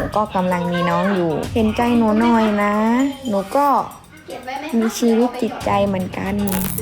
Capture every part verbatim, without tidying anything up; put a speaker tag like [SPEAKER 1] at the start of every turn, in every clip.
[SPEAKER 1] ก็กำลังมีน้องอยู่เห็นใจหนูหน่อยนะหนูก็มีชีวิตจิตใจเหมือนกัน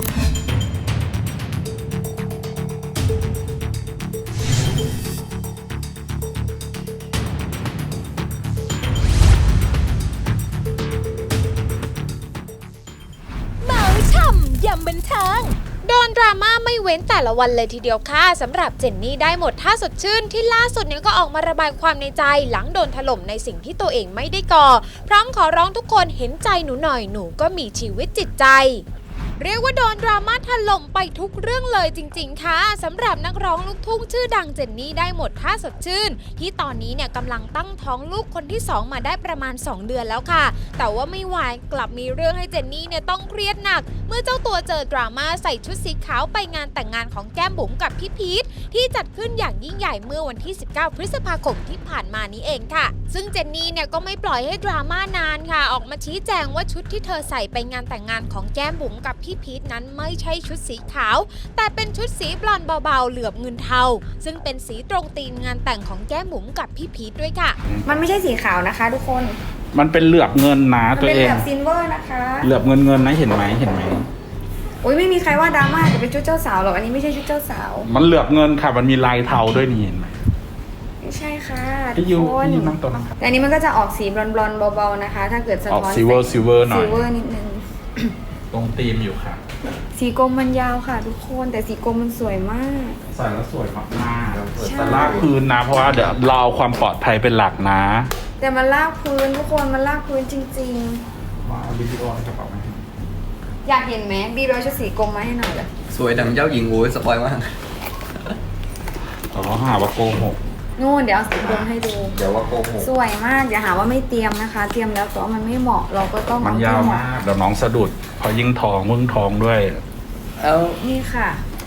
[SPEAKER 2] ยำบันเทิงโดนดราม่าไม่เว้นแต่ละวันเลยทีเดียวค่ะสำหรับเจนนี่ได้หมดท่าสดชื่นที่ล่าสุดเนี่ยก็ออกมาระบายความในใจหลังโดนถล่มในสิ่งที่ตัวเองไม่ได้ก่อพร้อมขอร้องทุกคนเห็นใจหนูหน่อยหนูก็มีชีวิตจิตใจเรียกว่าโดนดราม่าถล่มไปทุกเรื่องเลยจริงๆค่ะสำหรับนักร้องลูกทุ่งชื่อดังเจนนี่ได้หมดท่าสดชื่นที่ตอนนี้เนี่ยกำลังตั้งท้องลูกคนที่สองมาได้ประมาณสองเดือนแล้วค่ะแต่ว่าไม่ไหวกลับมีเรื่องให้เจนนี่เนี่ยต้องเครียดหนักเมื่อเจ้าตัวเจอดราม่าใส่ชุดสีขาวไปงานแต่งงานของแก้มบุ๋มกับพี่พีทที่จัดขึ้นอย่างยิ่งใหญ่เมื่อวันที่สิบเก้าพฤษภาคมที่ผ่านมานี้เองค่ะซึ่งเจนนี่เนี่ยก็ไม่ปล่อยให้ดราม่านานค่ะออกมาชี้แจงว่าชุดที่เธอใส่ไปงานแต่งงานของแก้มบุ๋มกับพี่พีทนั้นไม่ใช่ชุดสีขาวแต่เป็นชุดสีบลอนด์เบาๆเหลือบเงินเทาซึ่งเป็นสีตรงธีมงานแต่งของแก้มบุ๋มกับพี่พีทด้วยค่ะ
[SPEAKER 1] มันไม่ใช่สีขาวนะคะทุกคน
[SPEAKER 3] มันเป็นเหลือบเงินนะตัวเอง
[SPEAKER 1] เป็นเหลือบซิลเวอร์นะคะ
[SPEAKER 3] เหลือบเงินเงินนะเห็นไหมเห็นไหม
[SPEAKER 1] โอ้ยไม่มีใครว่าดราม่าจะเป็นชุดเจ้าสาวหรอกอันนี้ไม่ใช่ชุดเจ้าสาว
[SPEAKER 3] มันเหลือบเงินค่ะมันมีลายเทาด้วยนี่เห็นไหม
[SPEAKER 1] ไม่ใช่ค่ะ
[SPEAKER 3] พี่ยูพี่ยูนั่งตัวนั้นครับ
[SPEAKER 1] แต่อันนี้มันก็จะออกสีบลอนด์ๆเบาๆนะคะถ้าเกิดสะท้อน
[SPEAKER 3] ออกซิลเวอร์ซิลเวอร์หน่อย
[SPEAKER 1] ซิลเวอร์นิดนึง
[SPEAKER 3] ตรงธีมอยู่ค่ะ
[SPEAKER 1] สีกรมมันยาวค่ะทุกคนแต่สีกรมมันสวยมาก
[SPEAKER 3] ใส่แล้วสวยมากๆแต่ลากพื้นนะเพราะว่าเดี๋ยวเราเอาความปลอดภัยเป็นหลักนะ
[SPEAKER 1] แต่มันลากพื้นทุกคนมันลากพื้นจริง
[SPEAKER 3] ๆมาเอาวิดีโอในกระเป๋าไหม
[SPEAKER 1] อยากเห็นไหมบีร้อยชุดสีกรมมาให้หน่อยเลย
[SPEAKER 4] สวยดังเจ้าหญิงโอ้ยสปอยมาก
[SPEAKER 3] อ๋อหาว่าโกหก
[SPEAKER 1] นู่นเดี๋ยวเอาสีกรมให้ดู
[SPEAKER 3] เดี๋ยวว่าโกหก
[SPEAKER 1] สวยมากอย่าหาว่าไม่เตรียมนะคะ เตรียมแล้วแต่ว่ามันไม่เหมาะเราก็ต้อง
[SPEAKER 3] มันยาวมากเดี๋ยวน้องสะดุดพอยิ่งทองมึงทองด้วย
[SPEAKER 4] เอา
[SPEAKER 1] นี่ค่ะ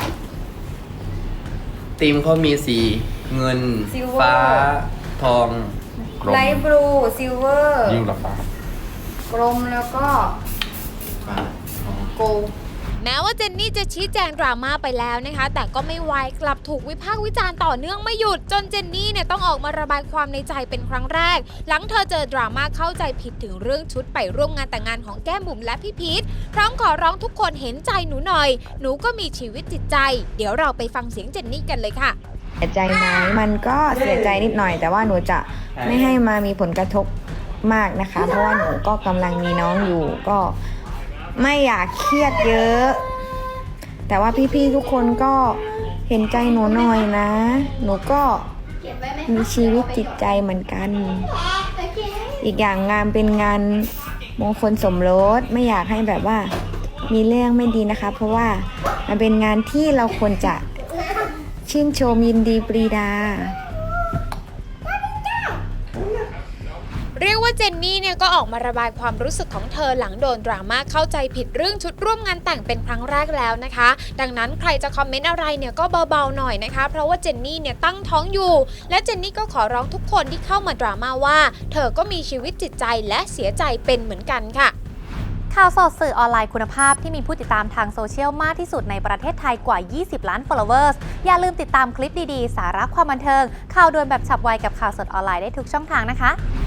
[SPEAKER 4] ธีมเขามีสีเงินฟ้าทอง
[SPEAKER 1] ไลท์บลูซิลเวอร์
[SPEAKER 3] ยิ่งละฟ้
[SPEAKER 1] ากรมแล้วก็
[SPEAKER 4] ฟ้า
[SPEAKER 1] โกล
[SPEAKER 2] แม้ว่าเจนนี่จะชี้แจงดราม่าไปแล้วนะคะแต่ก็ไม่ไวกลับถูกวิพากษ์วิจารณ์ต่อเนื่องไม่หยุดจนเจนนี่เนี่ยต้องออกมาระบายความในใจเป็นครั้งแรกหลังเธอเจอดราม่าเข้าใจผิดถึงเรื่องชุดไปร่วมงานแต่งงานของแก้มบุ๋มและพี่พีทพร้อมขอร้องทุกคนเห็นใจหนูหน่อยหนูก็มีชีวิตจิตใจเดี๋ยวเราไปฟังเสียงเจนนี่กันเลยค่ะ
[SPEAKER 1] เสียใจไหมมันก็เสียใจนิดหน่อยแต่ว่าหนูจะไม่ให้มามีผลกระทบมากนะคะเพราะว่าหนูก็กำลังมีน้องอยู่ก็ไม่อยากเครียดเยอะแต่ว่าพี่ๆทุกคนก็เห็นใจหนูหน่อยนะหนูก็มีชีวิตจิตใจเหมือนกันอีกอย่างงานเป็นงานมงคลสมรสไม่อยากให้แบบว่ามีเรื่องไม่ดีนะคะเพราะว่ามันเป็นงานที่เราควรจะชื่นชมยินดีปรีดา
[SPEAKER 2] เรียกว่าเจนนี่เนี่ยก็ออกมาระบายความรู้สึกของเธอหลังโดนดราม่าเข้าใจผิดเรื่องชุดร่วมงานแต่งเป็นครั้งแรกแล้วนะคะดังนั้นใครจะคอมเมนต์อะไรเนี่ยก็เบาๆหน่อยนะคะเพราะว่าเจนนี่เนี่ยตั้งท้องอยู่และเจนนี่ก็ขอร้องทุกคนที่เข้ามาดราม่าว่าเธอก็มีชีวิตจิตใจและเสียใจเป็นเหมือนกันค่ะ
[SPEAKER 5] ข่าวสดสื่อออนไลน์คุณภาพที่มีผู้ติดตามทางโซเชียลมากที่สุดในประเทศไทยกว่ายี่สิบล้าน followers อย่าลืมติดตามคลิปดีๆสาระความบันเทิงข่าวด่วนแบบฉับไวกับข่าวสดออนไลน์ได้ทุกช่องทางนะคะ